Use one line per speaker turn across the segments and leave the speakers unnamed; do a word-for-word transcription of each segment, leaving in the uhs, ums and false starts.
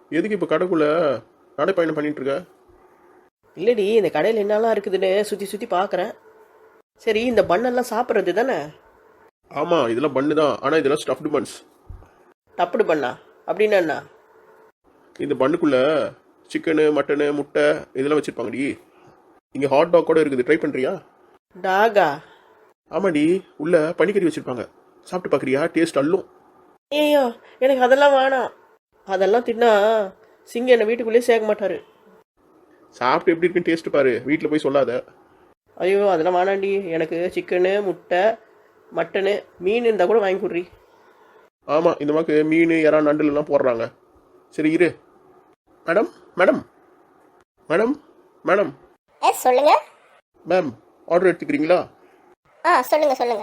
எதுக்கு இப்போ கடைக்குள்ளே நடைப்பயணம் பண்ணிட்டு இருக்க?
இல்லடி, இந்த கடையில் என்னெல்லாம் இருக்குதுன்னு சுற்றி சுற்றி பார்க்குறேன். சரி, இந்த பண்ணெல்லாம் சாப்பிட்றது தானே?
ஆமாம், இதெல்லாம் பண்ணு தான். ஆனால் இதெல்லாம் ஸ்டஃப்டு பன்ஸ்.
டப்புடு பண்ணா அப்படின்னா என்ன?
இந்த பண்ணுக்குள்ளே சிக்கனு, மட்டனு, முட்டை இதெல்லாம் வச்சுருப்பாங்கடி. இங்கே ஹாட் டாக் கூட இருக்குது. ட்ரை பண்ணுறியா?
டாகா?
ஆமாடி, உள்ள பனிக்கறி வச்சுருப்பாங்க. சாப்பிட்டு பார்க்குறியா? டேஸ்ட் அல்லும்.
ஏய்யோ, எனக்கு அதெல்லாம் வேணாம். அதெல்லாம் தின்னா சிங்கம் என்னை வீட்டுக்குள்ளேயே சேர்க்க மாட்டார்.
சாப்பிட்டு எப்படி இருக்குன்னு டேஸ்ட் பாரு, வீட்டில் போய் சொல்லாத.
ஐயோ, அதெல்லாம் வேணாண்டி. எனக்கு சிக்கனு, முட்டை, மட்டனு, மீன் இருந்தால் கூட வாங்கி கொடுறி.
ஆமாம், இந்த மாதிரி மீன், இறா, நண்டுலாம் போடுறாங்க. சரி இரு. Madam madam madam madam
yes சொல்லுங்க.
மேம், ஆர்டர் எடுத்துக்கிறீங்களா?
ஆ சொல்லுங்க சொல்லுங்க.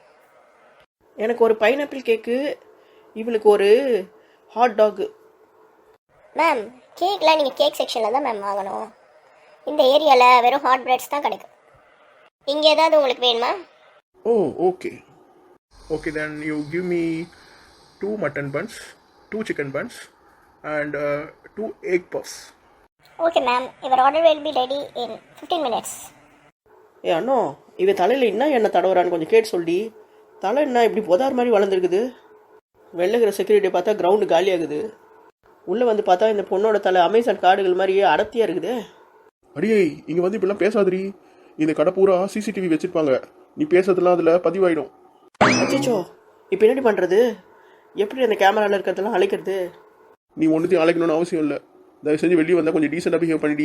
எனக்கு ஒரு பைனாப்பிள் கேக்கு, இவளுக்கு ஒரு ஹாட் டாகு.
மேம், கேக்லாம் நீங்கள் கேக் செக்ஷனில் தான் மேம் வாங்கணும். இந்த ஏரியாவில் வெறும் ஹாட் பிரெட்ஸ் தான் கிடைக்கும். இங்கே ஏதாவது உங்களுக்கு வேணுமா?
Oh okay okay then you give me two mutton buns, two chicken buns and two egg puffs.
Okay ma'am, your order will be ready in fifteen minutes.
ஏ அண்ணோ, இவன் தலையில் என்ன எண்ணெய் தடவுறான்னு கொஞ்சம் கேட்டு சொல்லி. தலை என்ன இப்படி புதார் மாதிரி வளர்ந்துருக்குது? வெள்ளைக்கிற செக்யூரிட்டி பார்த்தா கிரவுண்டு காலியாகுது. உள்ளே வந்து பார்த்தா இந்த பொண்ணோட தலை அமேசான் காடுகள் மாதிரியே அடர்த்தியாக இருக்குது.
அடியே, இங்கே வந்து இப்படிலாம் பேசாதடி. இந்த கடை பூரா சிசிடிவி வச்சுருப்பாங்க. நீ பேசுறதுலாம் அதில் பதிவாயிடும்.
அச்சோ, இப்போ என்னடி பண்ணுறது? எப்படி அந்த கேமராவில் இருக்கிறதெல்லாம் அழைக்கிறது?
நீ ஒன்றுத்தையும் அழைக்கணும்னு அவசியம் இல்லை. தயவு செஞ்சு வெளியே வந்தால் கொஞ்சம் டீசெண்டாக பிஹேவ் பண்ணிடி.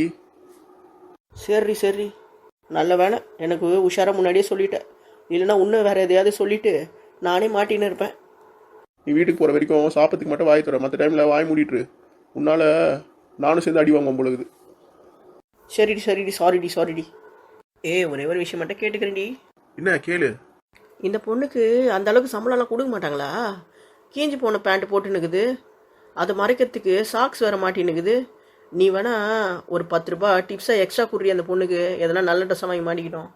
சரி சரி, நல்ல வேணை எனக்கு உஷாராக முன்னாடியே சொல்லிட்டேன். இல்லைன்னா இன்னும் வேறு எதையாவது சொல்லிவிட்டு நானே மாட்டின்னு இருப்பேன்.
நீ வீட்டுக்கு போகிற வரைக்கும் சாப்பிட்றதுக்கு மட்டும் வாய் தர, மற்ற டைமில் வாய் மூடிட்டுரு. உன்னால் நானும் சேர்ந்து அடி வாங்குவோம் பொழுது.
சரிடி சரிடி, சாரிடி சாரிடி. ஏ, ஒரே ஒரு விஷயம் மட்டும் கேட்டுக்கிறேன்டி.
என்ன கேளு.
இந்த பொண்ணுக்கு அந்த அளவுக்கு சம்பளம்லாம் கொடுக்க மாட்டாங்களா? கீஞ்சி போன பேண்ட் போட்டுன்னுக்குது, அதை மறைக்கிறதுக்கு சாக்ஸ் வேற மாட்டின்னுக்குது. நீ வேணா ஒரு பத்து ரூபா டிப்ஸாக எக்ஸ்ட்ரா குடுறி அந்த பொண்ணுக்கு, எதனா நல்ல ட்ரெஸ்ஸாக வாங்கி மாட்டிக்கிட்டோம்.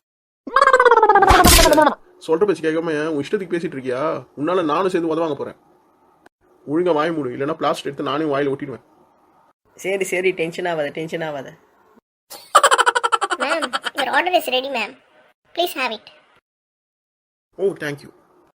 சொல்கிற பேச்சு கேட்காம உன் இஷ்டத்துக்கு பேசிகிட்டு இருக்கியா? உன்னால் நானும் சேர்ந்து உதவாங்க போகிறேன். ஒழுங்காக வாய் மூடு, இல்லைன்னா பிளாஸ்டிக் எடுத்து நானே வாயில் ஒட்டிடுவேன்.
சரி சரி, டென்ஷன் ஆகாத டென்ஷன் ஆகாத.
Ma'am, your order is ready ma'am. Please have it.
Oh thank you.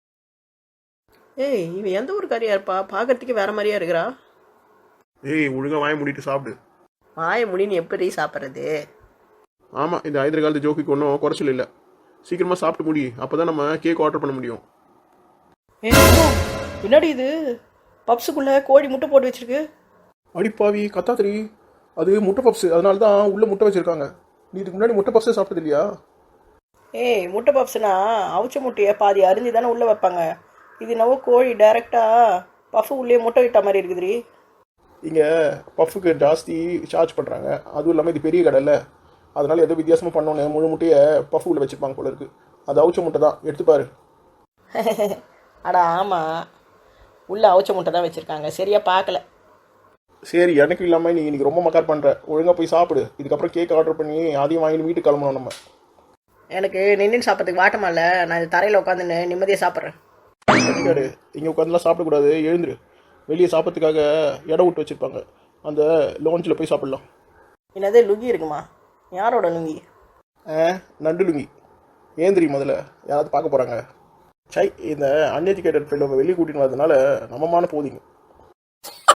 ஏய், இவன் எந்த ஒரு காரியா இருப்பா? பார்க்கறதுக்கு வேற மாதிரியா இருக்கிறா.
ஏய், ஒழுங்காக வாய் மூடிட்டு சாப்பிடு.
வாய முடின்னு எப்படி சாப்பிட்றது?
ஆமாம், இந்த ஐதர் காலத்து ஜோக்குக்கு ஒன்றும் குறைச்சல் இல்லை. சீக்கிரமாக சாப்பிட்டு முடி, அப்போ தான் நம்ம கேக் ஆர்டர் பண்ண முடியும்.
ஏ பின்னாடி இது பப்ஸுக்குள்ளே கோழி முட்டை போட்டு வச்சிருக்கு.
அடிப்பாவி கத்தாத்திரி, அது முட்டை பப்ஸு, அதனால தான் உள்ளே முட்டை வச்சுருக்காங்க. நீ இதுக்கு முன்னாடி முட்டை பப்ஸே சாப்பிட்டது இல்லையா?
ஏய், முட்டை பப்ஸ்னா அவிச்ச முட்டையை பாதி அரிஞ்சு தானே உள்ளே வைப்பாங்க. இது என்னவோ கோழி டைரெக்டாக பஃபு உள்ளே முட்டை விட்ட மாதிரி இருக்குதுரி.
இங்கே பஃபுக்கு ஜாஸ்தி சார்ஜ் பண்ணுறாங்க. அதுவும் இல்லாமல் இது பெரிய கடை இல்லை, அதனால் எதோ வித்தியாசமாக பண்ணோன்னு முழு முட்டையை பஃபு உள்ளே வச்சுருப்பாங்க போல இருக்குது. அது அவிச்ச முட்டை தான், எடுத்துப்பாரு.
அடா ஆமாம், உள்ளே அவிச்ச முட்டை தான் வச்சுருக்காங்க, சரியாக பார்க்கல.
சரி, எனக்கு இல்லாமல் நீ இன்றைக்கி ரொம்ப மக்கார் பண்ணுற. ஒழுங்காக போய் சாப்பிடு. இதுக்கப்புறம் கேக் ஆர்டர் பண்ணி அதையும் வாங்கி வீட்டுக்கு கிளம்பணும் நம்ம.
எனக்கு நின்று சாப்பிட்றதுக்கு வாட்டமா இல்லை, நான் இந்த தரையில் உட்காந்துன்னு நிம்மதியாக சாப்பிட்றேன்.
கட்டிக்காடு, இங்கே உட்காந்துலாம் சாப்பிடக்கூடாது, எழுந்துரு. வெளியே சாப்பிட்றதுக்காக இடம் விட்டு வச்சுருப்பாங்க, அந்த லோஞ்சில் போய் சாப்பிட்லாம்.
என்னது லுங்கி இருக்குமா? யாரோட லுங்கி?
ஆ, நண்டு லுங்கி. ஏந்திரி முதல்ல, யாராவது பார்க்க போகிறாங்க. சை, இந்த அன்எஜுகேட்டட் ஃப்ரெண்ட் வெளியே கூட்டின்னு வரதுனால நம்மமான போதிங்க.